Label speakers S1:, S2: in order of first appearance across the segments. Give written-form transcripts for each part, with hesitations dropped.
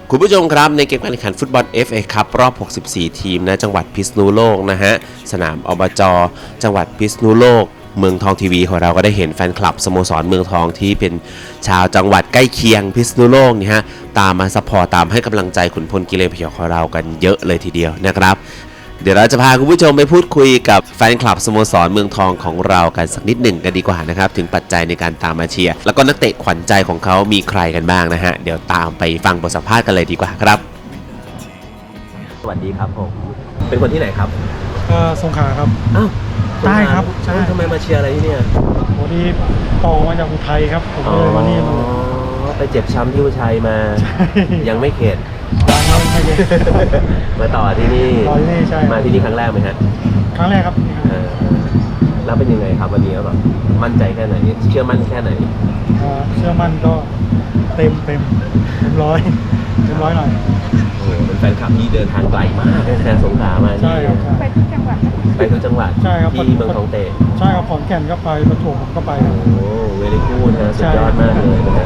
S1: คุณผู้ชมครับในเกมการแข่งขันฟุตบอล FA คัพรอบ 64 ทีมณจังหวัดพิษณุโลกนะฮะสนามอบจ.จังหวัดพิษณุโลกเมืองทองทีวีของเราก็ได้เห็นแฟนคลับสโมสรเมืองทองที่เป็นชาวจังหวัดใกล้เคียงพิษณุโลกนี่ฮะตามมาซัพพอร์ตตามให้กำลังใจขุนพลกิเลนพยองของเรากันเยอะเลยทีเดียวนะครับเดี๋ยวเราจะพาคุณผู้ชมไปพูดคุยกับแฟนคลับสโมสรเมืองทองของเรากันสักนิดหนึ่งกันดีกว่านะครับถึงปัจจัยในการตามมาเชียร์แล้วก็นักเตะขวัญใจของเขามีใครกันบ้างนะฮะเดี๋ยวตามไปฟังบทสัมภาษณ์กันเลยดีกว่าครับสวัสดีครับผมเป็นคนที่ไหนครับ
S2: สงขลาครับ
S1: อ้าว
S2: ใช่ครับใช่
S1: ทำไมมาเชียร์อะไรที่เนี่ย
S2: วันนี้ต่อมาจากอุทัยครับผมเลยมานี่มา
S1: ไปเจ็บช้ำที่อุทัยมายังไม่เข็ด
S2: ยังไม่เข็ด
S1: มาต่อที่นี่
S2: ใช่
S1: มาที่นี่ครั้งแรกไหมฮะ
S2: ครั้งแรกครับ
S1: แล้วเป็นยังไงครับวันนี้แบบมั่นใจแค่ไหนเชื่อมั่นแค่ไหน
S2: เชื่อมั่นก็เต็มร้อยหน่อย
S1: โอ้เป็นแฟนคลับที่เดินทางไกลมากแค่สงขลามา
S2: ใช่ครับ
S3: ไปทุกจังหวัด
S1: ไปทุกจังหวัด
S2: ใช่ครับ
S1: ที่เมืองทองเตะ
S2: ใช่ครับขอนแก่นก็ไปประจวบผมก็ไป
S1: โอ้เวลี่กูดนะสุดยอดมากเลยนะ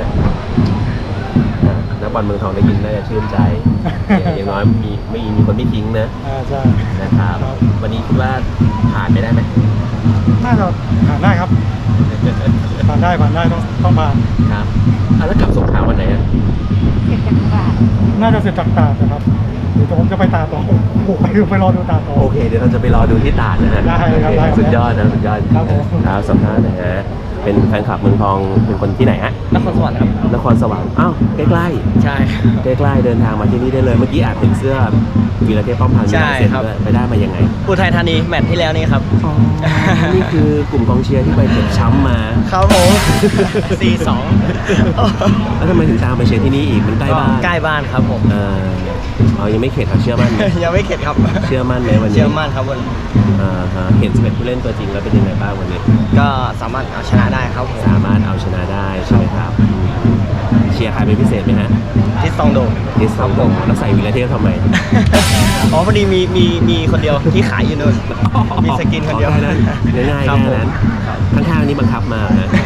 S1: นักบอลเมืองทองได้ยินน่าจะชื่นใจอย่างน้อยมีคนไม่ทิ้งนะ
S2: ใช่
S1: นะครับวันนี้คิดว่าผ่านไปได้ไหม
S2: น่าจะผ่านได้ครับผ่านได้ต้องผ่าน
S1: ครับแล้วกลับสงขลาวันไหน
S3: เสร็จจากตราด
S2: น่าจะเสร็จจากตราดนะครับเดี๋ยวผมจะไปตราดต่อไปรอดูตราดต่อ
S1: โอเคเดี๋ยวเราจะไปรอดูที่ตราดนะฮะ
S2: ได้ครับ
S1: สุดยอดนะสุดยอด
S2: ครับผม
S1: ครับสัมภาษณ์นะฮะเป็นแฟนคลับเมืองทองเป็นคนที่ไหนฮะ
S4: นครสวรรค์ครับ
S1: นครสวรรค์อ้าวใกล้ๆ
S4: ใช่
S1: ใกล้ๆเดินทางมาที่นี่ได้เลยเมื่อกี้อาจเห็นเสื้อวีรเทพป้อมพันธ์
S4: ใช่ครับ
S1: ไปได้มายังไง
S4: อุทัยธานีแมตช์ที่แล้วนี่ครับ
S1: นี่คือกลุ่มกองเชียร์ที่ไปเจ็บช้ำมา
S4: ครับผม 4-2
S1: แล้วทำไมถึงตามไปเชียร์ที่นี่อีกมันใกล้บ้าน
S4: ใกล้บ้านครับผม
S1: ยังไม่เข็ดครับเชื่อมั่น
S4: ยังไม่เข็ดครับ
S1: เชื่อมั่นไหมวันนี้
S4: เชื่อมั่นครับวัน
S1: เห็น11ผู้เล่นตัวจริงแล้วเป็นยังไงบ้างวันนี้
S4: ก็สามารถเอาชนะได้ครับ
S1: สามารถเอาชนะได้ใช่ไหมครับเชียร์ใครเป็นพิเศษไหมฮะ
S4: ทิสตองโด
S1: แล้วใส่วีรเทพทำไม
S4: อ๋อพอดีมีคนเดียวที่ขายอยู่นู่นมีสกินคนเดียว
S1: นั้นง่ายๆแค่นั้นข้างๆนี้บังคับมาฮะ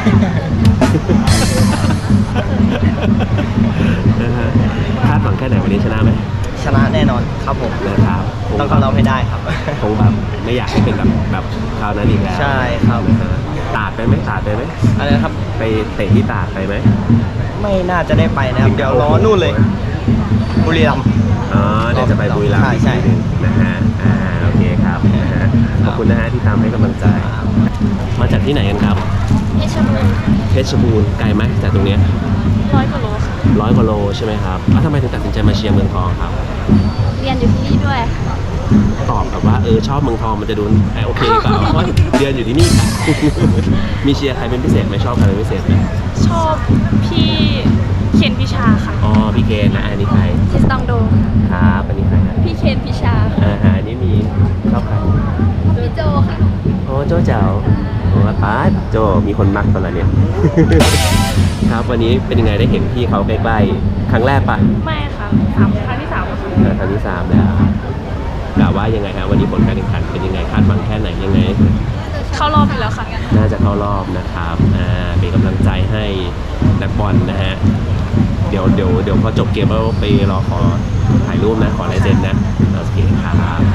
S1: คาดหวังแค่ไหนวันนี้ชนะไหม
S4: ชนะแน่นอนครับผม
S1: นะครับ
S4: ต้องเข้ารอบให้ได้ครับ
S1: คงแบบไม่อยากให้เป็นแบบคราวนั้นอีกแล้ว
S4: ใช่ครับ
S1: ตาดไปไหม
S4: อะไรครับ
S1: ไปเตะที่ตาดไปไหม
S4: ไม่น่าจะได้ไปนะครับเดี๋ยวรอนู่นเลยบุรีรัมย์
S1: เดี๋ยวจะไปบุรีรัมย์
S4: ใช่
S1: นะฮะโอเคครับขอบคุณนะฮะที่ตามให้กำลังใจมาจากที่ไหนกันครับเพชรบูรณ์ไกลไหมจากตรงนี้
S3: 100 กว่าโลค่ะ
S1: 100 กว่าโลใช่ไหมครับทำไมถึงตัดสินใจมาเชียร์เมืองทองครับ
S3: เรียนอยู่ที่นี่ด้วย
S1: ตอบแบบว่าชอบเมืองทองมันจะดูโอเคเปล่าเพราะเรียนอยู่ที่นี่ค่ะมีเชียร์ใครเป็นพิเศษไหมชอบใครเป็นพิเศษไหม
S3: ชอบพี่เคนพิชาค่ะ
S1: พี่เคนนะอันนี้ใคร
S3: ทิสตองโด
S1: ครับอันนี้ใคร
S3: พี่เคนพิชา
S1: อันนี้มีชอบใคร
S3: พี่โจค่ะ
S1: โจเจ๋าป้าโจมีคนมักตอนเนี่ยครับวันนี้เป็นยังไงได้เห็นพี่เขาใกล้ๆครั้งแรกปะ
S3: ไม่ค่ะครั้งที่ 3ค่ะ
S1: ครั้งที่ 3แล้วกล่าวว่ายังไงฮะวันนี้ผลการแข่งขันเป็นยังไงคาดหวังแค่ไหนยังไง
S3: เข้ารอบอยู่แล้วค่ะ
S1: น่าจะเข้ารอบนะครับเป็นกำลังใจให้นักบอลนะฮะเดี๋ยวพอจบเกมเราไปรอขอถ่ายรูปนะขอลายเซ็นนะโอเคครับ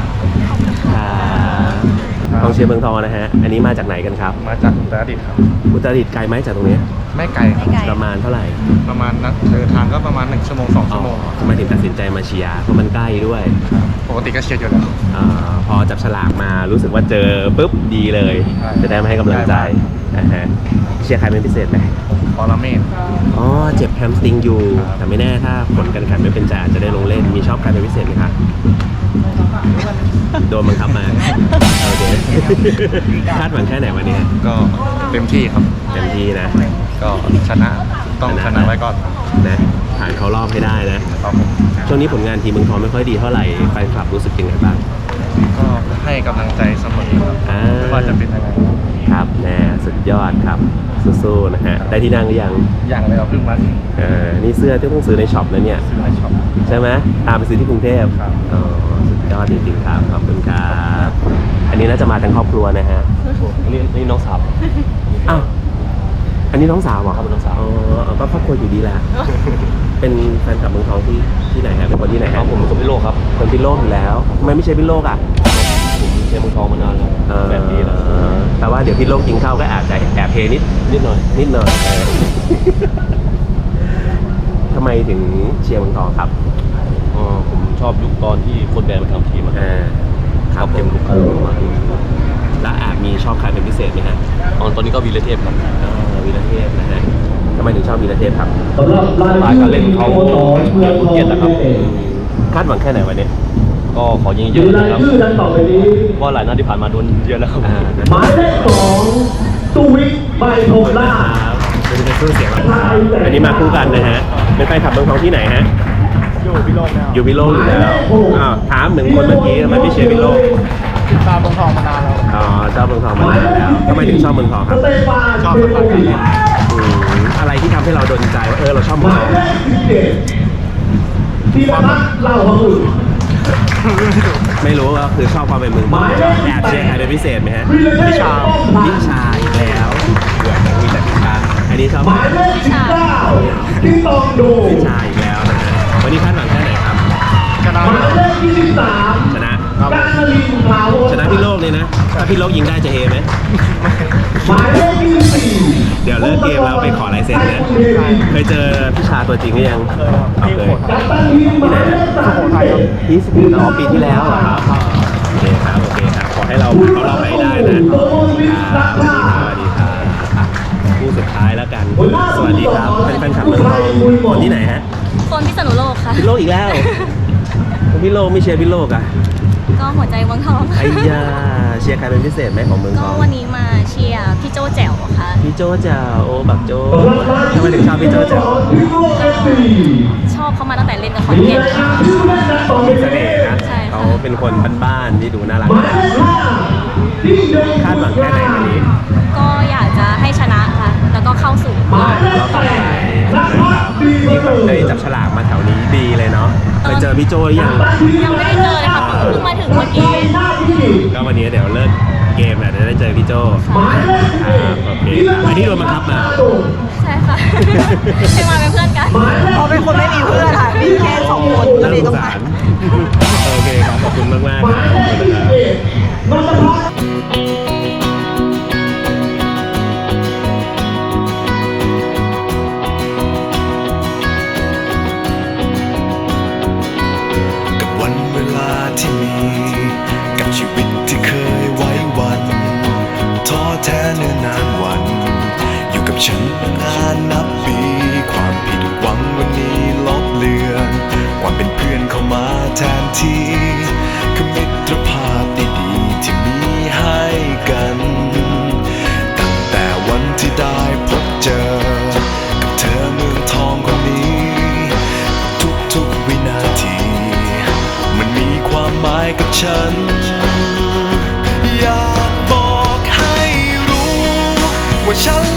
S1: กองเชียร์เมืองทองนะฮะอันนี้มาจากไหนกันครับ
S2: มาจากอุตรดิตถ์ครับ
S1: อุตรดิตถ์ไกลไหมจากตรงนี้
S2: ไม่ไกลครับ
S1: ประมาณเท่าไหร่
S2: ประมาณนักเดินทางก็ประมาณ1 ชั่วโมง 2 ชั่วโมง
S1: ทำไมถึงตัดสินใจมาเชียร์เพราะมันใกล้ด้วย
S2: ปกติก็เชียร์อยู่แล้ว
S1: พอจับฉลากมารู้สึกว่าเจอปุ๊บดีเลยจะได้มาให้กำลังใจเชียร์ใครเป็นพิเศษไหม
S2: ปรเมศ
S1: เจ็บแฮมสตริงอยู่แต่ไม่แน่ถ้าผลการแข่งขันไม่เป็นใจอาจจะได้ลงเล่นมีชอบใครเป็นพิเศษไหมครับโดนบังคับมาโอเคคาดหวังแค่ไหนวันนี้
S2: ก็เต็มที่ครับ
S1: เต็มที่นะ
S2: ก็ชนะต้องชนะไว้ก่อน
S1: นะผ่านเข้ารอบให้ได้นะช่วงนี้ผลงานทีมเมืองทองไม่ค่อยดีเท่าไหร่แฟนคลับรู้สึกยังไงบ้าง
S2: ก็ให้กำลังใจเสมอครับไม่ว่าจะเป็นยังไง
S1: ครับสุดยอดครับสู้ๆนะฮะได้ที่นั่งหรือยัง
S2: เลยเราเพิ่งมา
S1: นี่เสื้อที่ต้องซื้อในช็อปแล้วเนี่ย
S2: ซื้อในช็อป
S1: ใช่ไหมตามไปซื้อที่กรุงเทพสุดยอดจริงๆครับขอบคุณครับอันนี้น่าจะมาทั้งครอบครัวนะฮะนี่น้องสาวอ้าวอันนี้น้องสาวเหรอครับน้องสาวก็ครอบครัวอยู่ดีแหละเป็นแฟนคลับเมืองทองที่ที่ไหนฮะเป็นคนที่ไหน
S4: ครั
S1: ฮะ
S4: บผมเป็นคนพิโลกครับ
S1: คนพิษโลกอยู่แล้วทำไมไม่ใช่พิษโลกอ่ะ
S4: ผมเชียร์เมืองทองมานานแล้ว แบบนี้แล้ว
S1: แต่ว่าเดี๋ยวพิษโลกยิงเข้าก็อาจจะแอบเทนิดหน่อยทำไมถึงเชียร์เมืองทองครับ
S4: ผมชอบยุคตอนที่โค้ชแบนมาทำทีมอะ
S1: ครับ
S4: เต็มลูกมา
S1: แล้วอาจมีชอบใครเป็นพิเศษไหมฮะ
S4: ตอนนี้ก็วีรเทพครับ
S1: วีรเทพนะฮะทำไมถึงชอบวีรเทพครับ
S4: สไตล์การเล่นเขาเยี่ยมเกียรตินะครับ
S1: คาดหวังแค่ไหนวันนี้
S4: ก็ขอยิงเยอะนะครับเพราะหลายนัดที่ผ่านมาโดนเยอะแล้วครับ
S5: หมายเลข2สุวิทย์ใบโพล่า
S1: เป็นเครื่องเสียงลำพาวอันนี้มาคู่กันนะฮะเป็นแฟนคลับเมืองทองที่ไหนฮะ
S2: อยู่พิโลกแล้ว
S1: อยู่พิโลกอยู่แล้วอ้าวถามเหมือนคนเมื่อกี้ทำไมไม่เชียร์พิโลก
S2: ติดตามเมืองทองมานานแล้ว
S1: อ๋อชอบเมืองทองมานานแล้วทำไมถึงชอบเมืองทองครับ
S5: สเตฟาน
S2: ชอบฟุตบอลการเล่น
S1: อะไรที่ทำให้เราโดนใจว่าเราชอบ
S5: ห
S1: เมือง
S5: มา
S1: ท
S5: ย
S1: อง
S5: เลข17ธีรพัฒน์เล่าพหุน
S1: ไม่รู้ว่าคือชอบความเป็นเมืองทองแอบเชียร์ใครเป็นพิเศษไหมฮะ
S5: วิลเลชา
S1: พิชาอีกแล้วเบื่อมีแต่พิชาอันนี้ชอบ
S5: หมายเลข19ที่ตองดู
S1: พิชาอีกแล้วนะฮะวันนี้คาดหวังแค่ไหนครับ
S2: ชนะ
S5: หมายเลข23
S1: ชนะ
S5: การนลินทร์ถาวร
S1: ชนะพี่โลกเลยนะถ้าพี่โลกยิงได้จะเฮไหม
S5: หมายเลข24
S1: เดี๋ยวเลิกเกมแล้วไปขอลายเซ็นนะเคยเจอพิชาตัวจริงหรือยัง
S2: เคยครับ
S1: เอา
S2: ที่
S1: เค
S2: โข
S1: ย
S2: ทัย
S5: กัปตันทีมหมายเลข
S2: สุโขทัยครับ
S1: ที่สปีดปีที่แล้วเหรอครับโอเคครับขอให้เราไปได้นะสวัสดีครับคู่สุดท้ายแล้วกัน สวัสดีครับเป็นแฟนคลับเมืองทองคนที่ไหนฮะ
S3: คนพิษณุโลกค่ะ
S1: พี่โลกอีกแล้วพี่โลกไม่เชียร์พี่โลกอ่ะ
S3: ก็หัวใจเมืองทอง
S1: ไอ้ยาเชียร์ใครเป็นพิเศษไหมของเมืองท
S3: ก็
S1: อง
S3: วันนี้มาเชียร์พี่โจแจ๋วค่ะ
S1: พี่โจ้เจ้าโอ้บักโจ้ทำไมถึงชอบพี่โจ้เจ้า
S3: ชอบเขามาตั้งแต่เล่นกับคอนเทนต์ค่ะ
S1: มีเสน่ห์นะ
S3: ใช่ค่ะ
S1: เขาเป็นคนบ้านๆที่ดูน่ารัก
S5: หมายเลข5
S1: คาดหวังแค่ไหนวันนี้
S3: ก็อยากจะให้ชนะค่ะ แล้วก็เข้าสู่รอบ
S1: เราต่อไปนะครับนี่แบบได้จับฉลากมาแถวนี้ดีเลยเนาะไปเจอพี่โจ้หรือยัง
S3: ยังไม่ได้เจอเลยค่ะเพิ่งมาถึงเมื่อกี้
S1: ก็วันนี้เดี๋ยวเลิกเกมแหละเดี๋ยวได้เจอพี่โจ้ครับโอเคครับอันนี้โดนบังคับมา
S3: ใช่ค่ะ ให้มาเป็นเพื่อนกัน
S6: เขาเป็นคนไม่มีเพื่อนค่ะ มีแค่2 คนก็
S1: น่า
S6: เลย
S1: ส
S6: ต้อง ง
S1: สา
S6: มา
S1: รโอเคครับขอบคุณมากๆครับขอบคุณนะครับ
S7: กับวันเวลาที่มี กับชีวิตที่เคยไว้วันท้อแท้เนิ่นนานวัน อยู่กับฉันมานานนับปี ความผิดหวังวันนี้ลบเลือน ความเป็นเพื่อนเข้ามาแทนที่คือมิตรภาพดีๆที่มีให้กัน ตั้งแต่วันที่ได้พบเจอ กับเธอเมืองทองคนนี้ ทุกๆวินาที มันมีความหมายกับฉัน อยากบอกให้รู้ว่าฉัน